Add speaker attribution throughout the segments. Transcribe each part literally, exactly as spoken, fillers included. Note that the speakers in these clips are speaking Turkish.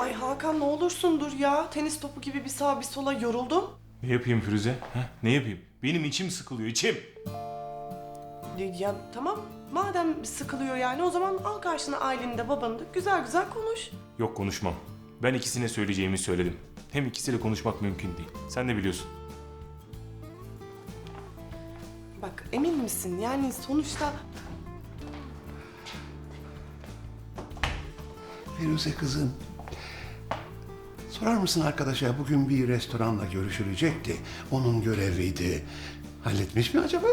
Speaker 1: Ay Hakan ne olursun dur ya. Tenis topu gibi bir sağa bir sola yoruldum.
Speaker 2: Ne yapayım Firuze? Ha? Ne yapayım? Benim içim sıkılıyor, içim.
Speaker 1: Ya tamam madem sıkılıyor yani o zaman al karşına aileni de babanı da güzel güzel konuş.
Speaker 2: Yok, konuşmam. Ben ikisine söyleyeceğimi söyledim. Hem ikisiyle konuşmak mümkün değil. Sen de biliyorsun.
Speaker 1: Bak emin misin yani sonuçta...
Speaker 3: Firuze kızım, sorar mısın arkadaşa bugün bir restoranla görüşülecekti. Onun göreviydi. Halletmiş mi acaba?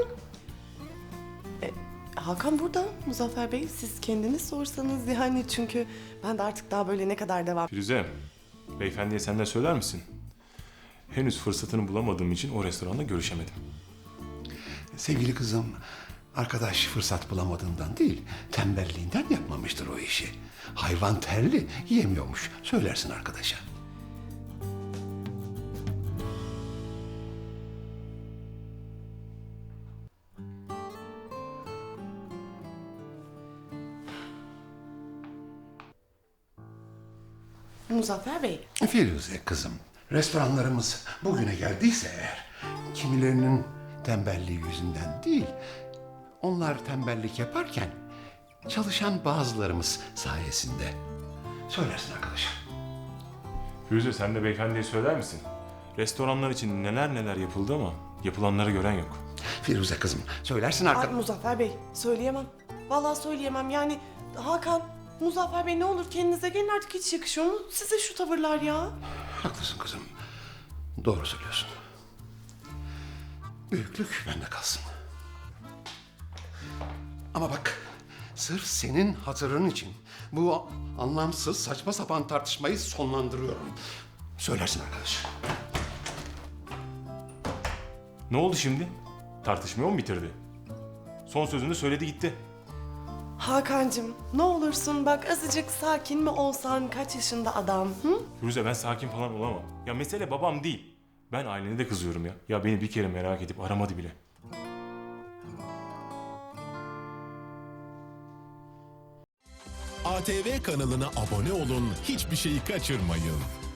Speaker 1: Hakan burada Muzaffer Bey siz kendiniz sorsanız yani çünkü ben de artık daha böyle ne kadar devam...
Speaker 2: Firuze, beyefendiye sen de söyler misin? Henüz fırsatını bulamadığım için o restoranda görüşemedim.
Speaker 3: Sevgili kızım, arkadaş fırsat bulamadığından değil, tembelliğinden yapmamıştır o işi. Hayvan terli, yiyemiyormuş. Söylersin arkadaşa.
Speaker 1: Muzaffer Bey,
Speaker 3: Firuze kızım, restoranlarımız bugüne geldiyse eğer, kimilerinin tembelliği yüzünden değil, onlar tembellik yaparken çalışan bazılarımız sayesinde. Söylersin arkadaşa.
Speaker 2: Firuze, sen de beyefendiye söyler misin? Restoranlar için neler neler yapıldı ama yapılanları gören yok.
Speaker 3: Firuze kızım, söylersin
Speaker 1: ay
Speaker 3: arkadaşa.
Speaker 1: Muzaffer Bey söyleyemem. Vallahi söyleyemem yani Hakan, Muzaffer Bey ne olur kendinize gelin artık hiç yakışıyor mu size şu tavırlar ya?
Speaker 3: Haklısın kızım. Doğru söylüyorsun. Büyüklük bende kalsın. Ama bak, sırf senin hatırın için bu anlamsız saçma sapan tartışmayı sonlandırıyorum. Söylersin arkadaş.
Speaker 2: Ne oldu şimdi? Tartışmayı mı bitirdi? Son sözünü söyledi gitti.
Speaker 1: Hakancığım ne olursun bak azıcık sakin mi olsan kaç yaşında adam hı?
Speaker 2: Firuze, ben sakin falan olamam. Ya mesele babam değil. Ben ailene de kızıyorum ya. Ya beni bir kere merak edip aramadı bile.
Speaker 4: A T V kanalına abone olun, hiçbir şeyi kaçırmayın.